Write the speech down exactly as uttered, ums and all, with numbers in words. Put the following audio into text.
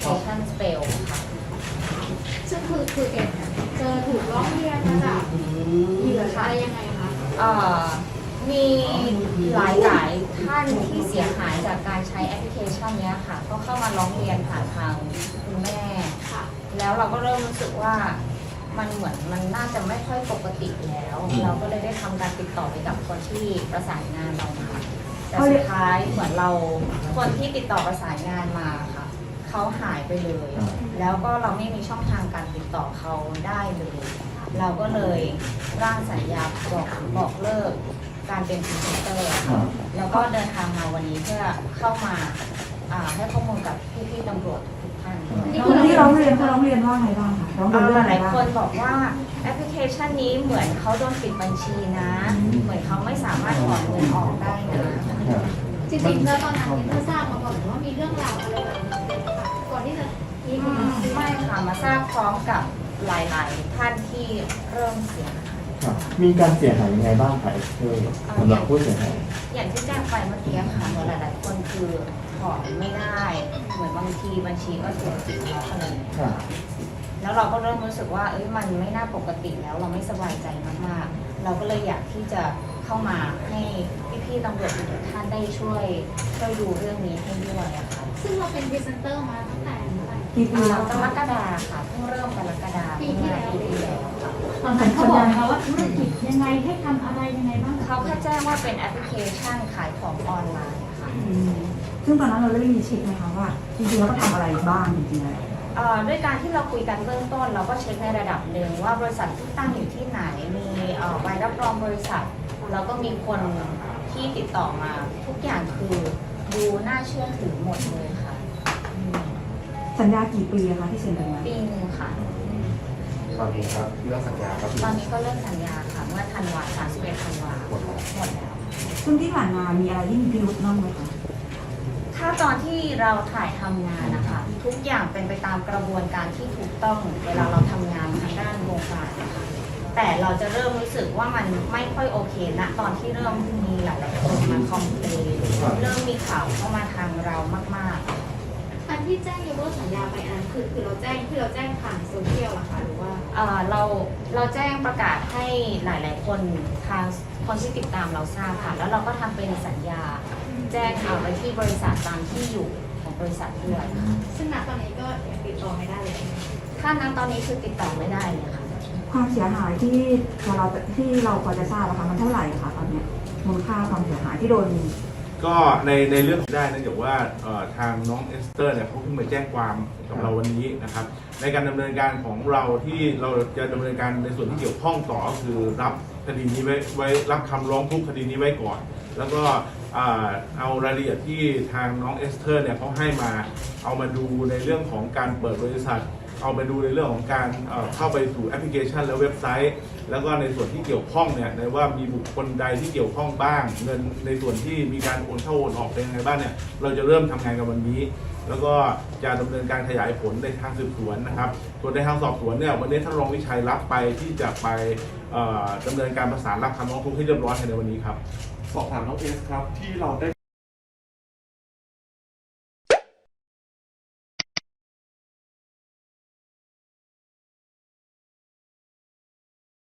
application spell ค่ะซึ่งคือคือเอ็มเจอถูกร้องเรียนมาจากเหยื่ออะไรยังไงคะเอ่อมีหลายหลายท่านที่เสียหายจากการใช้แอปพลิเคชันนี้ค่ะก็เข้ามาร้องเรียนผ่านทางคุณแม่แล้วเราก็เริ่มรู้สึกว่ามันเหมือนมันน่าจะไม่ค่อยปกติแล้ว เราก็เลยได้ทำการติดต่อไปกับคนที่ประสานงานเรามาแต่สุดท้ายเหมือนเราคนที่ติดต่อประสานงานมาค่ะเขาหายไปเลย แล้วก็เราไม่มีช่องทางการติดต่อเขาได้เลยเราก็เลยร่างสัญญาบอกบอกเลิกการเป็นพรีเซนเตอร์แล้วก็เดินทางมาวันนี้เพื่อเข้ามาให้ข้อมูลกับพี่ๆตำรวจทุกท่านที่ร้องเรียนเขาร้องเรียนว่าไงบ้างคะร้องเรียนเรื่องหลายอะไรบ้างคนบอกว่าแอปพลิเคชันนี้เหมือนเขาโดนปิดบัญชีนะ เหมือนเขาไม่สามารถถอนเงินออกได้นะจริงๆแล้วตอนนั้นเธอทราบมาก่อนว่ามีเรื่องราวอะไรแบบนี้ก่อนที่จะมีไม่ค่ะมาทราบพร้อมกับหลายๆท่านที่เริ่มเสียหายมีการเสียหายยังไงบ้างคะเออสำหรับผู้เสียหายอย่างที่แจ้งไปเมื่อกี้ค่ะเหมือนหลายๆคนคือถอนไม่ได้เหมือนบางทีบัญชีก็เสียจริงแล้วอะไรอย่างเงี้ยแล้วเราก็เริ่มรู้สึกว่าเอ้ยมันไม่น่าปกติแล้วเราไม่สบายใจมากๆเราก็เลยอยากที่จะเข้ามาให้พี่ๆตำรวจทุกท่านได้ช่วยช่วยดูเรื่องนี้ให้ด้วยอะค่ะซึ่งเราเป็นพรีเซนเตอร์มาตั้งแต่เมื่อไหร่กี่ปีแล้วกรกฎาค่ะเพิ่งเริ่มกรกฎาปีที่แล้วปีที่แล้วค่ะตอนนั้นเขาบอกเขาว่าธุรกิจยังไงให้ทำอะไรยังไงบ้างเขาแค่แจ้งว่าเป็นแอปพลิเคชันขายของออนไลน์ค่ะซึ่งตอนนั้นเราได้มีเช็คไหมคะว่าจริงๆแล้วก็ทำอะไรบ้างจริงๆแล้วด้วยการที่เราคุยกันเบื้องต้นเราก็เช็คในระดับหนึ่งว่าบริษัทที่ตั้งอยู่ที่ไหนมีใบรับรองบริษัทแล้วก็มีคนที่ติดต่อมาทุกอย่างคือดูน่าเชื่อถือหมดเลยค่ะสัญญากี่ปีคะที่เซ็นกันมาปีนึงค่ะตอนนี้ครับเรื่องสัญญาครับตอนนี้ก็เลิกสัญญาค่ะเมื่อธันวาสามสิบเอ็ดธันวาหมดแล้วหมดแล้วซึ่งที่ผ่านมามีอะไรที่มีพิรุธบ้างไหมคะถ้าตอนที่เราถ่ายทำงานนะคะทุกอย่างเป็นไปตามกระบวนการที่ถูกต้องเวลาเราทำงานทางด้านวงการนะคะแต่เราจะเริ่มรู้สึกว่ามันไม่ค่อยโอเคนะตอนที่เริ่มมีหลายๆคนมาคอมเพลนเริ่มมีข่าวเข้ามาทางเรามากๆอันที่แจ้งยกเลิกสัญญาไปอันนั้นคือคือเราแจ้งที่เราแจ้งผ่านโซเชียลหรอคะหรือว่าเราเราแจ้งประกาศให้หลายๆคนทางคนที่ติดตามเราทราบค่ะแล้วเราก็ทำเป็นสัญญาแจ้งเอาไปที่บริษัทตามที่อยู่ของบริษัทด้วยค่ะซึ่งณตอนนี้ก็ยังติดต่อไม่ได้เลยถ้านั้นตอนนี้คือติดต่อไม่ได้เลยค่ะความเสียหายที่เราที่เราพอจะทราบนะคะมันเท่าไหร่คะตอนนี้มูลค่าความเสียหายที่โดนก็ในในเรื่องได้เนื่องจากว่าทางน้องเอสเตอร์เนี่ยเขาเพิ่งมาแจ้งความกับเราวันนี้นะครับในการดำเนินการของเราที่เราจะดำเนินการในส่วนที่เกี่ยวข้องต่อคือรับคดีนี้ไว้ไว้รับคำร้องทุกข์คดีนี้ไว้ก่อนแล้วก็เอารายละเอียดที่ทางน้องเอสเตอร์เนี่ยเขาให้มาเอามาดูในเรื่องของการเปิดบริษัทเอาไปดูในเรื่องของการเข้าไปสู่แอปพลิเคชันและเว็บไซต์แล้วก็ในส่วนที่เกี่ยวข้องเนี่ยในว่ามีบุคคลใดที่เกี่ยวข้องบ้างเงินในส่วนที่มีการโอนเข้าโอนออกเป็นยังไงบ้างเนี่ยเราจะเริ่มทำงานกันวันนี้แล้วก็จะดำเนินการขยายผลในทางสืบสวนนะครับส่วนในทางสอบสวนเนี่ยวันนี้ท่านรองวิชัยรับไปที่จะไปดำเนินการประสานรับคำร้องทุกข์ให้เรียบร้อยในวันนี้ครับสอบถามน้องเอสครับที่เราได้